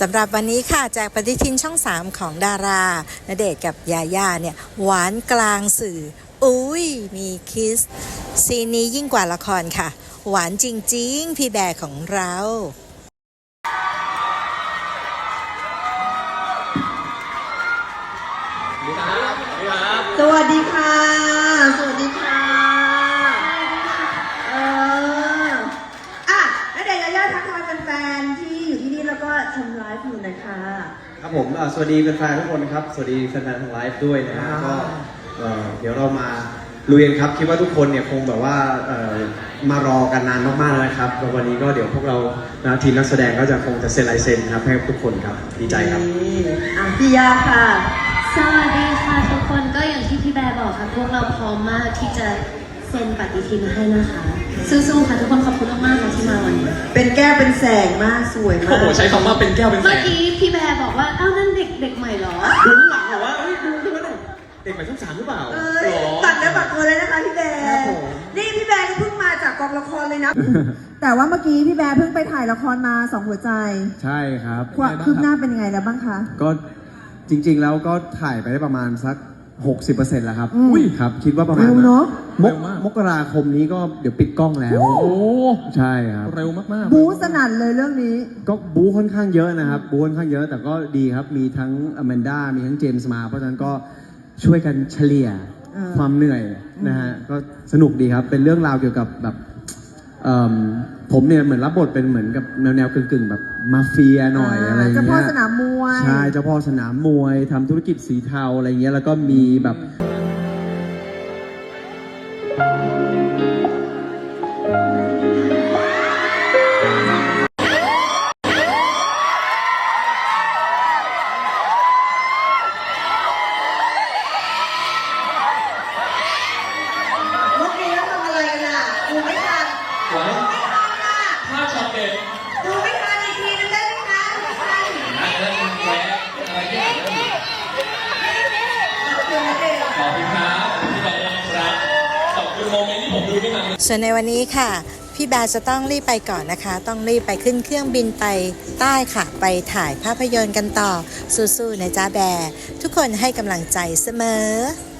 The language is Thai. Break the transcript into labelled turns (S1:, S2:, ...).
S1: สำหรับวันนี้ค่ะจากปฏิทินช่อง 3 ของดาราณเดชน์กับยาย่าเนี่ยหวานกลางสื่ออุ้ยมีคิสซีนนี้ยิ่งกว่าละครค่ะหวานจริงๆพี่แบร์ของเรา
S2: สวัสดีค่ะ สวัสดีค่ะณเดชน์ยาย่าทักทายแฟนๆที่อยู่ที่นี่แล้วก็ชมไลฟ์อยู่นะคะ
S3: ครับผมสวัสดีแฟนๆทุกคนนะครับสวัสดีแฟนๆทางไลฟ์ด้วยนะฮะก็เดี๋ยวเรามาลุยกันครับคิดว่าทุกคนเนี่ยคงแบบว่ามารอกันนานมากๆแล้วนะครับแล้ววันนี้ก็เดี๋ยวพวกเราทีมนักแสดงก็จะคงจะเซ็นลายเซ็นครับให้ทุกคนครับดีใจครับ
S2: พี่ยาค่ะ
S4: สวัสดีค่ะทุกคนก็อย่างที่พี่แบร์บอกค่ะพวกเราพร้อมมากที่จะเซ็นปฏิทินให้นะคะสู้ๆค่ะทุกคนขอบคุณมากๆค่ะที่มาวันนี้
S2: เป็นแก้วเป็นแสงมากสวยมาก
S5: โอ้โหใช้คำว่าเป็นแก้วเป็นแสง
S4: เมื่อกี้พี่แบร์บอกว่าอ้าวนั่นเด็กใหม่เหรอ
S5: ดูหลังเหรอว่าดูใช่ไหมเด็กใหม่ช่อง 3หรือเปล่า
S2: ตัดได้บัตรตัวเลยนะคะพี่แบร์นี่พี่แบร์ก็เพิ่งมาจากกองละครเลยนะแต่ว่าเมื่อกี้พี่แบร์เพิ่งไปถ่ายละครมา2หัวใจ
S3: ใช่ครับ
S2: คืบหน้าเป็นยังไงแล้วบ้างคะ
S3: ก็จริงๆแล้วก็ถ่ายไปได้ประมาณสัก60%แล้วครับครับคิดว่าประมาณมกราคมนี้ก็เดี๋ยวปิดกล้องแล้ว
S5: โอ้
S3: ใช่ครับ
S5: เร็วมากๆ
S2: บู๊สนั่นเลยเรื่องนี้
S3: ก็บู๊ค่อนข้างเยอะนะครับบู๊ค่อนข้างเยอะแต่ก็ดีครับมีทั้งอแมนด้ามีทั้งเจมส์มาเพราะฉะนั้นก็ช่วยกันเฉลี่ยความเหนื่อยนะฮะก็สนุกดีครับเป็นเรื่องราวเกี่ยวกับแบบผมเนี่ยเหมือนรับบทเป็นเหมือนกับแนวกึ่งแบบมาเฟียหน่อยอะไรเงี้ย
S2: เจ้าพ่อสนามมวย
S3: ใช่เจ้าพ่อสนามมวยทำธุรกิจสีเทาอะไรเงี้ยแล้วก็มีแบบ
S5: ภาพช็อตเด็ด
S2: ดูไม่ทันอีกทีนึงได้ไหมคะ
S5: ขอบคุณครับพี่แบร์ครับขอบคุณโมเมนต์ที่ผมดูไม่นาน
S1: ส่วนในวันนี้ค่ะพี่แบร์จะต้องรีบไปก่อนนะคะต้องรีบไปขึ้นเครื่องบินไปใต้ค่ะไปถ่ายภาพยนตร์กันต่อสู้ๆนะจ๊ะแบร์ทุกคนให้กำลังใจเสมอ